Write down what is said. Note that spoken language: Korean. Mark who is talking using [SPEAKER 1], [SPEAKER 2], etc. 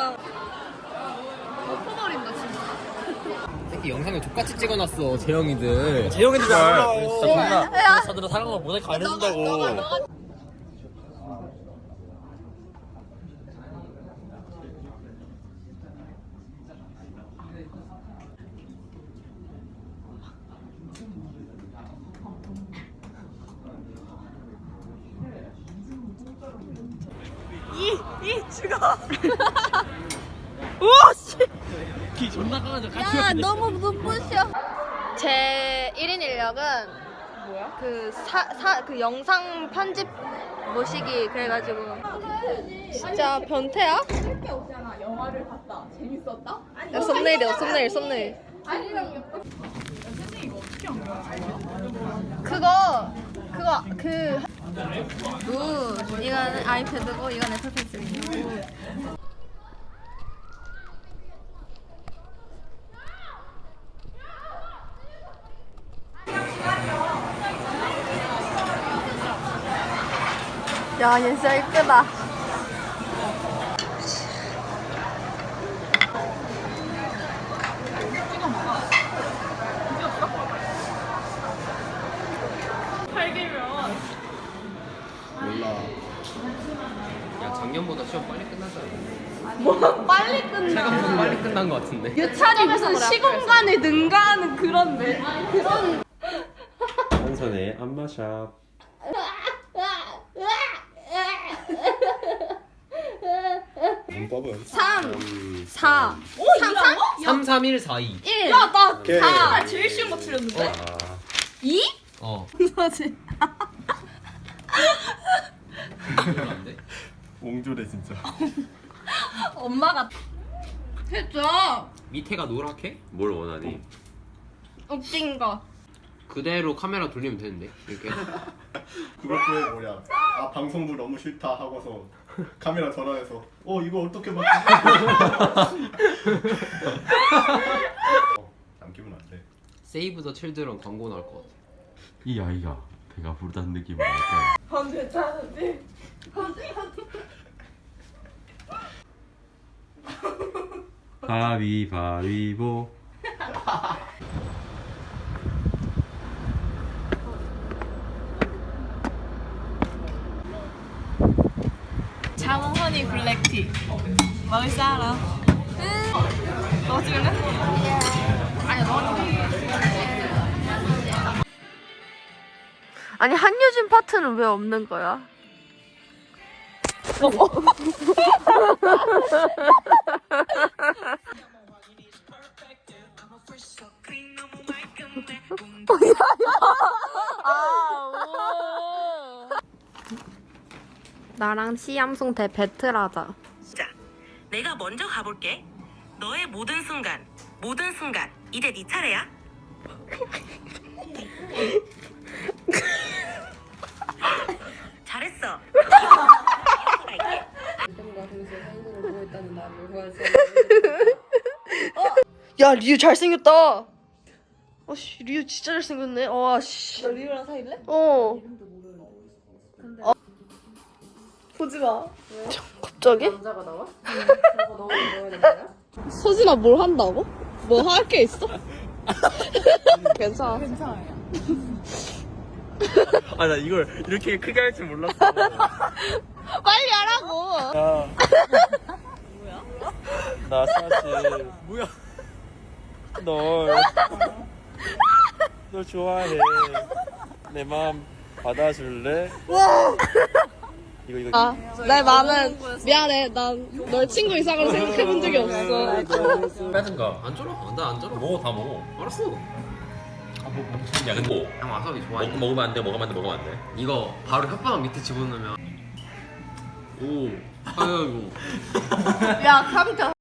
[SPEAKER 1] 진짜. 엎어버린다 진짜.
[SPEAKER 2] 특히 영상을 족같이 찍어놨어 재영이들.
[SPEAKER 3] 재영이들 왜안 올라와요?
[SPEAKER 1] 야.
[SPEAKER 3] 진짜 저들은 사랑을 모자이크 안 해준다고.
[SPEAKER 1] 이 죽어. 우와 씨.
[SPEAKER 3] 기 존나 강하죠.
[SPEAKER 1] 야 너무 눈부셔. 제 1인 인력은 뭐야? 그 영상 편집 모시기 그래가지고 진짜 변태야?
[SPEAKER 4] 할게 없잖아. 영화를 봤다. 재밌었다? 아니,
[SPEAKER 1] 야, 썸네일이야 썸네일.
[SPEAKER 4] 아니랑 선생님 이거 어떻게 한 거야?
[SPEAKER 1] 이거는 아이패드고 이건 애플 펜슬이고. 야, 얘 진짜 이쁘다.
[SPEAKER 2] 몰라. 야 작년보다 시험 빨리 끝났잖아.
[SPEAKER 1] 뭐 빨리 끝나.
[SPEAKER 2] 생각보다 빨리 끝난 것 같은데.
[SPEAKER 1] 유찬이 무슨 시공간을 능가하는 그런 그런.
[SPEAKER 5] 한선의 안마샵. 문법은
[SPEAKER 1] 3, 4,
[SPEAKER 2] 3, 3, 1, 4, 2.
[SPEAKER 1] 1.
[SPEAKER 4] 야, 나
[SPEAKER 5] 오케이.
[SPEAKER 4] 제일 쉬운 거 틀렸는데?
[SPEAKER 1] 2?
[SPEAKER 2] 어.
[SPEAKER 1] 뭐지?
[SPEAKER 2] 이걸로 안 돼?
[SPEAKER 5] 옹졸해 진짜.
[SPEAKER 1] 엄마가 했죠.
[SPEAKER 2] 밑에가 노랗게?
[SPEAKER 5] 뭘 원하니?
[SPEAKER 1] 웃긴 거.
[SPEAKER 2] 그대로 카메라 돌리면 되는데 이렇게.
[SPEAKER 6] 그것도 뭐냐, 아 방송부 너무 싫다 하고서 카메라 전화해서 이거 어떻게 바꾸지? 남기면 안 돼.
[SPEAKER 2] 세이브 더 칠드런 광고 나올 것 같아.
[SPEAKER 5] 이 아이가 배가 부르다는 느낌을 알까?
[SPEAKER 4] 전 괜찮은데.
[SPEAKER 5] 바위바위보.
[SPEAKER 4] 자몽 허니 블랙티. 먹을 사람. 너 찍을래? 아니, 너
[SPEAKER 1] 아니 한유진 파트는 왜 없는 거야? 나랑 시암송 대 배틀하자.
[SPEAKER 7] 자, 내가 먼저 가볼게. 너의 모든 순간, 이제 네 차례야. 잘했어.
[SPEAKER 1] 야 리우 잘생겼다. 어씨 리우 진짜 잘생겼네. 와씨.
[SPEAKER 4] 너 리우랑 사귈래?
[SPEAKER 1] 어. 보지 마. 갑자기?
[SPEAKER 4] 남자가 나와? 그거 너가 넣어야 되는 거야?
[SPEAKER 1] 서진아 뭘 한다고? 뭐 할 게 있어? 괜찮아.
[SPEAKER 4] 괜찮아요.
[SPEAKER 3] 아 나 이걸 이렇게 크게 할 줄 몰랐어.
[SPEAKER 1] 빨리 하라고.
[SPEAKER 3] 야. 뭐야? 나 사실 뭐야? 널 좋아해. 내 마음 받아줄래? 이거.
[SPEAKER 1] 아, 내 마음은 미안해. 난 널 친구 이상으로 생각해본 적이 없어.
[SPEAKER 2] 빼든가. 안 쩔어? 나안 쩔어.
[SPEAKER 5] 먹어 다 먹어.
[SPEAKER 2] 알았어.
[SPEAKER 5] 야 근데 뭐?
[SPEAKER 2] 형 와사비 좋아해.
[SPEAKER 5] 먹으면 안 돼. 먹으면 안 돼.
[SPEAKER 2] 이거 바로 혓바닥 밑에 집어넣으면. 오. 아유.
[SPEAKER 1] 야, 감자.